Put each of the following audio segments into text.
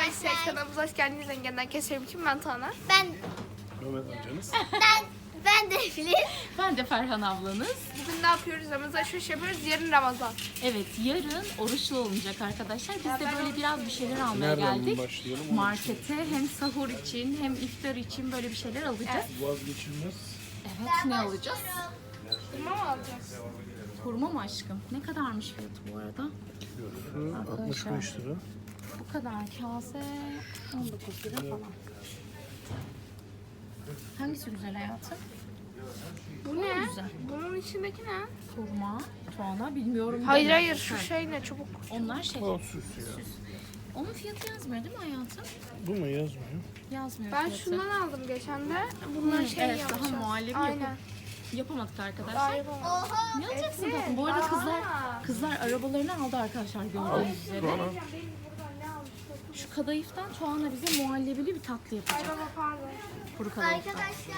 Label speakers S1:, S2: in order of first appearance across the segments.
S1: Arkadaşlar kanalımıza hoş geldiniz. Zengin'den keserim için ben Tuana.
S2: Mehmet amcanız.
S3: Ben de Filiz.
S4: Ben de Ferhan ablanız.
S1: Bugün ne yapıyoruz? Ramazan alışveriş yapıyoruz. Yarın Ramazan.
S4: Evet, yarın oruçlu olunacak arkadaşlar. Biz de böyle biraz bir şeyler almaya
S2: Nereden
S4: geldik.
S2: başlayalım? Onu
S4: Markete hem sahur için hem iftar için böyle bir şeyler alacağız.
S2: Vazgeçilmez.
S4: Evet, ne alacağız?
S1: Hurma mı alacağız?
S4: Hurma mı aşkım? Ne kadarmış fiyatı bu arada?
S2: Şu 65 lira.
S4: Bu kadar kase 19 lira falan. Hangisi güzel hayatım?
S1: Bu ne?
S4: Güzel.
S1: Bunun içindeki ne?
S4: Hurma, tuana bilmiyorum.
S1: Hayır
S4: ben.
S1: hayır şu
S4: Ha,
S1: şey ne çubuk.
S4: Onlar şey.
S2: O süs ya.
S4: Onun fiyatı yazmıyor değil mi hayatım?
S2: Bu mu yazmıyor?
S4: Yazmıyor
S1: Ben
S4: fiyatı.
S1: şundan aldım geçen de. Bunlar şey
S4: evet,
S1: yapacağız.
S4: daha muhallebi
S1: Aynen.
S4: yapamadık
S1: Daha
S4: arkadaşlar.
S1: yapamadım.
S3: Oha.
S4: Ne alacaksın
S1: Efe,
S4: tatlım? Bu arada
S1: aa.
S4: kızlar arabalarını aldı arkadaşlar gördüğünüz üzere.
S2: Bana.
S1: Benim buradan ne almıştım?
S4: Şu kadayıftan Tuana bize muhallebili bir tatlı
S1: Ay
S4: yapacak.
S1: baba pardon.
S4: Kuru kadayıftan.
S3: Arkadaşlar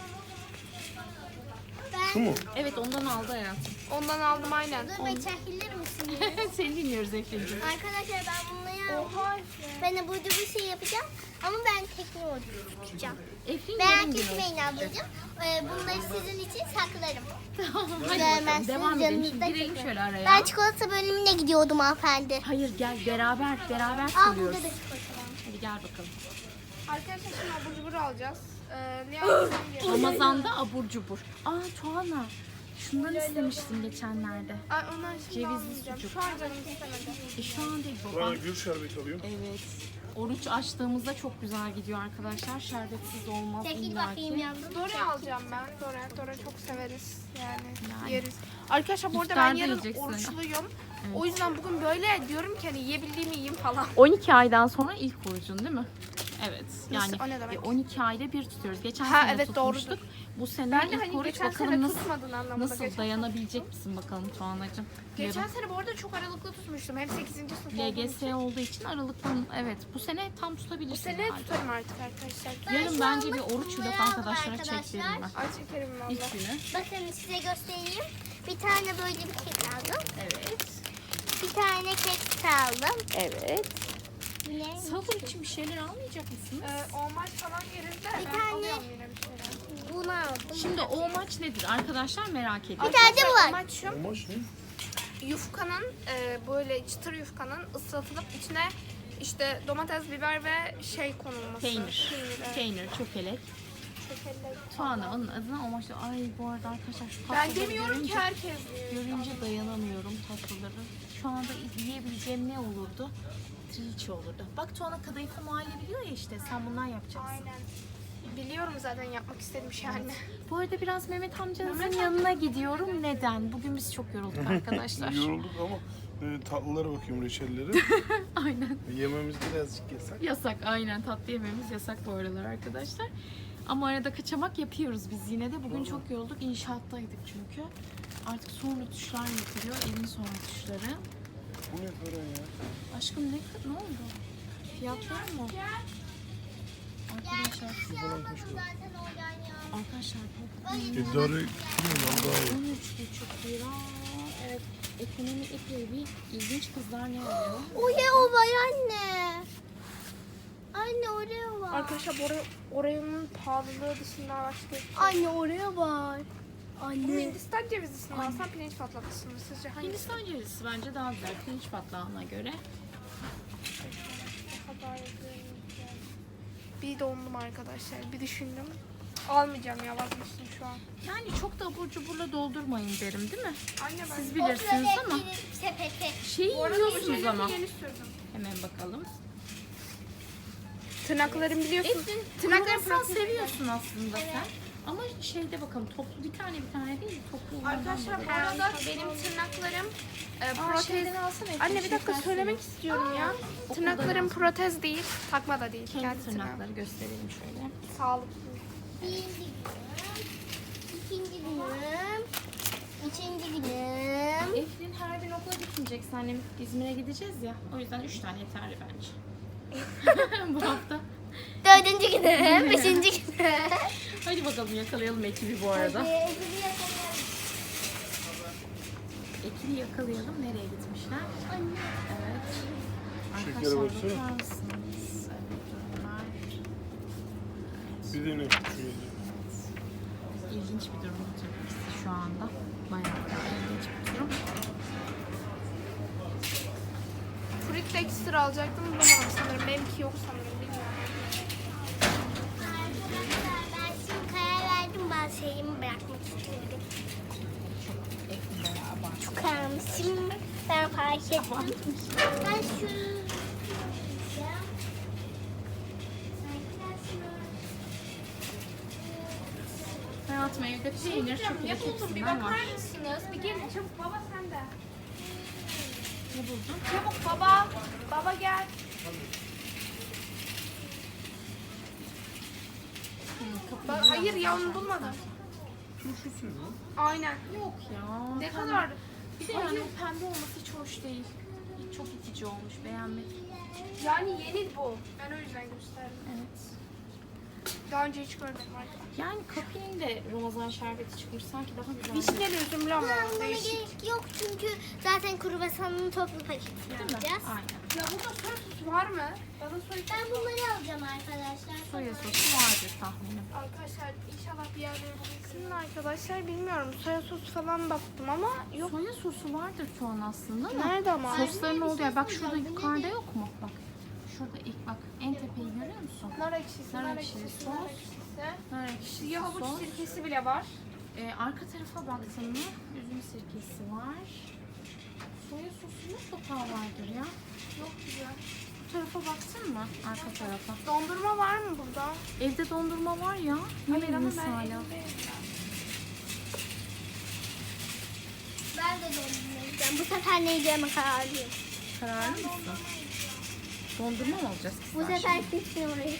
S2: Şu mu?
S4: Evet ondan aldı hayatım.
S1: Ondan aldım aynen.
S3: dur beni çekilir misiniz?
S4: Seni dinliyoruz Efe'ciğim.
S3: Arkadaşlar ben bunları
S1: Oha.
S3: ben de burada bir şey yapacağım ama ben teknik tutacağım.
S4: Efe'nin
S3: Merak
S4: yarım günü
S3: etmeyin
S4: olacak.
S3: ablacığım. Bunları sizin için saklarım.
S4: Hadi
S3: Görmezsiniz,
S4: bakalım devam edelim. Şimdi
S3: yanınızda
S4: girelim
S3: çekin.
S4: şöyle araya.
S3: Ben çikolata bölümüne gidiyordum hanımefendi.
S4: Hayır gel beraber
S3: Aa
S4: söylüyoruz.
S3: burada da çikolata var.
S4: Hadi gel bakalım.
S1: Arkadaşlar şimdi abur cubur alacağız. Ne alacağım diye.
S4: Ramazan'da abur cubur. Aa Tuana. Şundan istemiştim geçenlerde.
S1: Ay onlar şimdi
S4: Cevizli
S1: almayacağım.
S4: sucuk.
S1: Şu an canım istemedi.
S4: Şu an değil
S2: Bana
S4: baba.
S2: gül şerbeti alıyorum.
S4: Evet. Oruç açtığımızda çok güzel gidiyor arkadaşlar. Şerbetsiz olmaz
S3: Çekil bakayım
S4: illaki.
S3: yavrum.
S1: Dora alacağım ben. Dora çok severiz. Yani,
S4: Yani.
S1: yeriz. Arkadaşlar bu arada
S4: İftarda
S1: ben yarın
S4: yiyeceksin.
S1: oruçluyum. O yüzden bugün böyle diyorum ki hani yiyebildiğimi yiyeyim falan.
S4: 12 aydan sonra ilk orucun değil mi? Evet. Yani
S1: Nasıl? O ne demek?
S4: 12 ayda bir tutuyoruz. Geçen
S1: Ha,
S4: sene
S1: evet,
S4: tutmuştuk. Bu sene
S1: Ben de
S4: ilk
S1: hani
S4: oruç
S1: geçen
S4: bakalım
S1: sene
S4: nasıl
S1: tutmadın anlamında.
S4: nasıl dayanabilecek misin bakalım Tuğanacığım.
S1: Geçen sene bu arada çok aralıklı tutmuştum. Hem 8. sınıf olduğum
S4: LGS
S1: için.
S4: olduğu için aralıktan evet bu sene tam
S1: Bu
S4: tutabilirsin.
S1: sene
S4: herhalde.
S1: tutarım artık arkadaşlar.
S4: Yarın
S3: şu
S4: bence
S3: anda
S4: bir oruç vlogu
S3: bunları aldım
S4: arkadaşlara
S3: arkadaşlar.
S4: çektirelim ben.
S1: Ay çekerim valla.
S4: İlk günü.
S3: Bakın size göstereyim. Bir tane böyle bir kek aldım.
S4: Evet.
S3: Bir tane kek aldım.
S4: Evet.
S3: Yine
S4: Sahur için bir şeyler almayacak mısınız?
S1: Olmaz falan yeriz de
S3: Bir
S1: ben
S3: tane-
S1: alıyorum yine bir şeyler.
S3: bunu aldım.
S4: Şimdi o maç nedir arkadaşlar merak ediyorum.
S3: Bir tane de bu var.
S1: Amaç şu.
S2: Amaç ne?
S1: Yufkanın böyle çıtır yufkanın ıslatılıp içine işte domates, biber ve şey konulması.
S4: Peynir.
S1: evet.
S4: Peynir, çökelek.
S1: Çökelek.
S4: Tuana onun adına o maçta. Ay bu arada arkadaşlar şu
S1: Ben
S4: tatlıları
S1: demiyorum ki
S4: görünce,
S1: herkes yiyor.
S4: görünce dayanamıyorum tatlıları. Şu anda yiyebileceğim ne olurdu? Trileçe olurdu. Bak Tuana kadayıflı muhallebi biliyor ya işte sen bundan yapacaksın.
S1: Aynen. Biliyorum zaten yapmak istediğim şey anne.
S4: Bu arada biraz Mehmet amcanızın
S1: Mehmet
S4: yanına gidiyorum. Neden? Bugün biz çok yorulduk arkadaşlar.
S2: Yorulduk ama tatlılara bakıyorum reçelleri.
S4: Aynen.
S2: Yememiz birazcık yasak.
S4: Yasak aynen tatlı yememiz yasak bu aralar arkadaşlar. Ama arada kaçamak yapıyoruz biz yine de. Bugün çok yorulduk. İnşaattaydık çünkü. Artık son rötuşlar yapılıyor. Evin son rötuşları.
S2: Bu ne para ya?
S4: Aşkım ne oldu? Fiyatlar mı? Arkadaşlar,
S2: Şu falan kaç para?
S3: Zaten oradan ya.
S4: arkadaşlar bu
S2: İdare etmiyorum daha iyi.
S4: 13,5 lira. Evet, ekonomi epey bir ilginç kızlar ne alıyor?
S3: Oreo var anne. Anne Oreo var.
S1: Arkadaşlar oranın pahalılığı dışında başka
S3: Anne Oreo var.
S1: Bu
S3: Anne.
S1: Hindistan cevizlisini alsam pirinç patlatısı mı sizce hangisi?
S4: Hindistan cevizisi bence daha güzel pirinç patlağına göre.
S1: Bir dondum arkadaşlar. Bir düşündüm. Almayacağım ya vazgeçtim şu an.
S4: Yani çok da abur cuburla doldurmayın derim değil mi?
S1: Anne ben
S4: Siz bilirsiniz ama
S3: Sepeti.
S4: şeyi
S1: bu arada bu
S4: yiyorsunuz
S1: şeyleri
S4: ama.
S1: yeni sürdüm.
S4: Hemen bakalım.
S1: Tırnaklarım biliyorsun.
S4: Eflin,
S1: Tırnaklarım
S4: kruvasan seviyorsun aslında sen. Ama şeyde bakalım toplu bir tane değil toplu olandan
S1: Arkadaşlar bu
S4: bakalım.
S1: arada benim tırnaklarım protez.
S4: şeyden alsana Eflin,
S1: Anne bir dakika
S4: şeker
S1: söylemek
S4: suyu.
S1: istiyorum ya.
S4: Okuldan
S1: Tırnaklarım
S4: alsın.
S1: protez değil, takma da değil.
S4: Kendi
S1: tırnağı.
S4: tırnakları gösterelim şöyle.
S1: Sağlıklı.
S3: Birinci günüm. İkinci günüm. Üçüncü günüm.
S4: Eflin her gün okula gitmeyecek. Senle İzmir'e gideceğiz ya. O yüzden 3 tane yeterli bence. Bu hafta.
S3: Dördüncü günüm. Beşinci günüm.
S4: Hadi bakalım yakalayalım ekibi bu arada.
S3: Ödülü yakalayalım.
S4: Ekibi yakalayalım. Nereye gitmişler?
S3: Anne.
S4: Evet.
S2: Şekere
S4: Arkadaşlar
S2: baksana.
S4: bakar mısınız?
S2: Bir de ne? Şöyle.
S4: İlginç bir durum tabii ki şu anda. Bayağı ilginç bir durum.
S1: Fruit de ekstra alacaktım. Bulamadım sanırım. Benimki yok sanırım. Bilmiyorum.
S3: Arkadaşlar ben şimdi karar verdim. Bazı şeyimi bırakmak istiyorum.
S4: Ekli beraber.
S3: Çok karamışım. Ben fark ettim. Ben şu...
S4: Hayatım evde peynir, çöpülük
S1: Yapıldım. Bir
S4: hepsinden
S1: bakar
S4: var.
S1: mısınız? Bir gelin çabuk. Baba sen de.
S4: Ne buldun?
S1: Çabuk baba. Baba gel. Hayır ya onu bulmadım.
S2: Turşusu mu?
S1: Aynen.
S4: Yok ya.
S1: Ne kadar?
S4: Bir de yani o pembe olması hiç hoş değil. Çok itici olmuş. Beğenmedim.
S1: Yani yeni bu. Ben o yüzden gösterdim.
S4: Evet.
S1: Daha önce hiç görmedim arkadaşlar.
S4: Yani kapinin de Ramazan şerbeti çıkmış. Sanki daha güzel.
S1: Vişneli üzümlü ama
S3: Ben buna
S1: değişik.
S3: gerek yok çünkü zaten kruvasanın toplu paketini
S4: Değil mi?
S3: alacağız.
S4: Aynen.
S1: Ya burada soya sosu var mı? Bana soya
S3: Ben bunları alacağım arkadaşlar.
S4: Soya sosu vardır tahminim.
S1: Arkadaşlar inşallah bir yerde bulursunuz. Arkadaşlar bilmiyorum soya sosu falan baktım ama yok.
S4: Soya sosu vardır şu an aslında ama.
S1: Nerede ama?
S4: Sosların
S3: bir
S4: olduğu
S3: şey
S4: yer. Bak şurada
S3: söyleyeceğim. Bu
S4: yukarıda
S3: nedir?
S4: yok mu? Bak. Şurada ilk bak. En tepeyi görüyor musun?
S1: Nar ekşisi,
S4: Nar
S1: nar
S4: ekşisi,
S1: ekşisi,
S4: sos.
S1: nar ekşisi.
S4: Nar ekşisi
S1: Siyah havuç
S4: sos.
S1: sirkesi bile var.
S4: Arka tarafa baktın mı? Üzüm sirkesi var. Soya sosu mutlaka vardır ya.
S1: Çok güzel.
S4: Bu tarafa baktın mı? Arka tarafa.
S1: Dondurma var mı burada?
S4: Evde dondurma var ya.
S1: Hayır ama
S4: Yemediniz
S1: ben
S4: hala.
S1: evdeyim.
S3: Ben de dondurma yiyeceğim. Bu sefer ne yiyeceğime kararlıyım.
S4: Kararlı mısın? Dondurma mı alacağız ki
S3: Bu
S4: sen
S3: sefer
S4: şimdi?
S3: kesin orayı.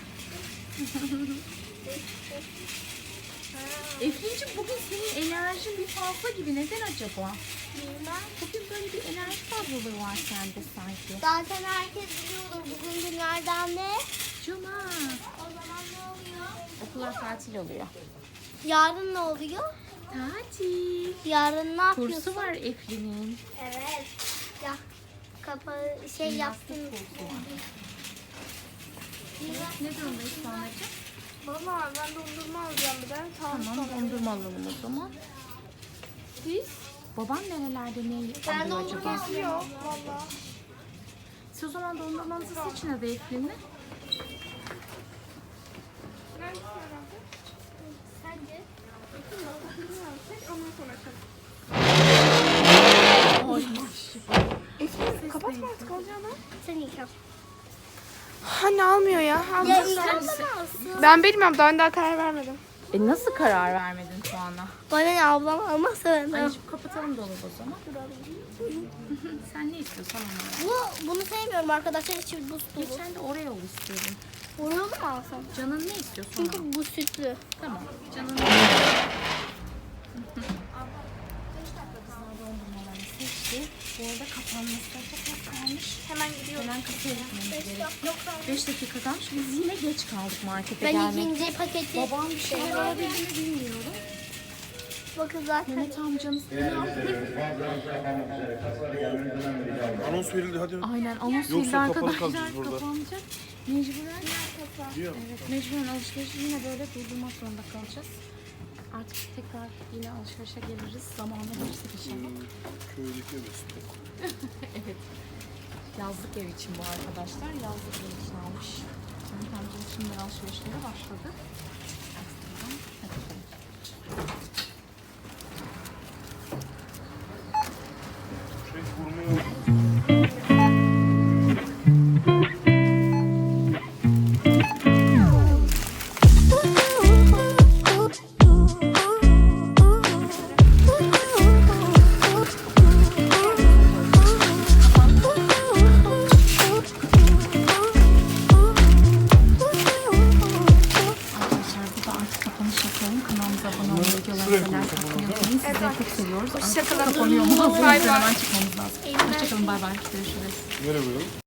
S4: Efrin'cim bugün senin enerjin bir fazla gibi. Neden acaba?
S3: Bilmem.
S4: Bugün böyle bir enerji fazlalığı var sende sanki.
S3: Zaten herkes biliyordur bugün günlerden ne?
S4: Cuma.
S3: O zaman ne oluyor?
S4: Okullar tatil oluyor.
S3: Yarın ne oluyor?
S4: Tatil.
S3: Yarın ne yapıyorsun?
S4: Kursu var Efrin'in.
S3: Evet. Ya kapağı şey yaptın.
S4: Kursu var. Ne durumdayız Tuğanacığım?
S1: Valla ben dondurma alacağım bir de.
S4: Tamam dondurma alalım o zaman.
S1: Siz?
S4: Baban nerelerde ne
S3: Ben
S4: alıyor
S3: dondurma
S4: acaba?
S1: Yok valla.
S4: Siz o zaman dondurmanızı seçin hadi Efrin'le.
S1: Ben istiyorum.
S3: Sence?
S1: Bilmiyorum. Seç ondan sonra açalım.
S4: Ay
S1: Efendim kapatma artık alacağını.
S3: Sen yıkam.
S1: Hani almıyor ya.
S3: Ya
S1: Almıyor.
S3: İrem bana alsın.
S1: Ben bilmiyorum daha karar vermedim.
S4: Nasıl karar vermedin Tuğan'a?
S3: Bana ne ablam almazsa ben de.
S4: Anneciğim kapatalım dolabı o zaman. Sen ne istiyorsan onu al.
S3: Bunu sevmiyorum arkadaşlar. İçi buz dolu.
S4: Geçen de Oreo istiyorum.
S3: Oreo mu alsam?
S4: Canın ne istiyorsun? Al.
S3: Çünkü bu sütlü.
S4: Tamam. Canın ne dondurmalarını seçti. Bu arada kapanmasına çok az kalmış.
S1: Hemen gidiyorum.
S4: Hemen kasaya gitmemiz gerekiyor. 5 dakika kalmış. Biz yine geç kaldık markete
S3: Ben
S4: gelmek.
S3: ikinci paketi
S4: Babam bir şeyler alabildi mi bilmiyorum.
S3: bakın zaten.
S4: Mehmet amcanız
S2: Anons verildi hadi.
S4: aynen anons
S2: Yoksa
S4: verildi
S2: kapalı
S4: arkadaşlar
S2: kalacağız burada.
S4: kapanacak. Mecburen
S2: Diyor.
S4: evet, mecburen alışverişi yine böyle durdurmak zorunda kalacağız. Artık tekrar yine alışverişe geliriz. Zamanla bulursak inşallah.
S2: Köydeki mesut.
S4: Evet. Yazlık ev için bu arkadaşlar. Yazlık ev için almış. Mehmet amcam şimdi alışverişlere başladı. Hadi bakalım.
S2: Vurmaya
S4: Arkadaşlar bu da artık kapanış yapalım. Kanalımıza abone olmayı, videolarımıza like atmayı unutmayın. Sizleri çok seviyoruz. Artık
S1: Hoşçakalın.
S4: kapanıyor mu?
S1: Bay bay.
S4: Hemen çıkmamız lazım. Hoşçakalın. Bay bay. Görüşürüz.
S2: nereye koyalım?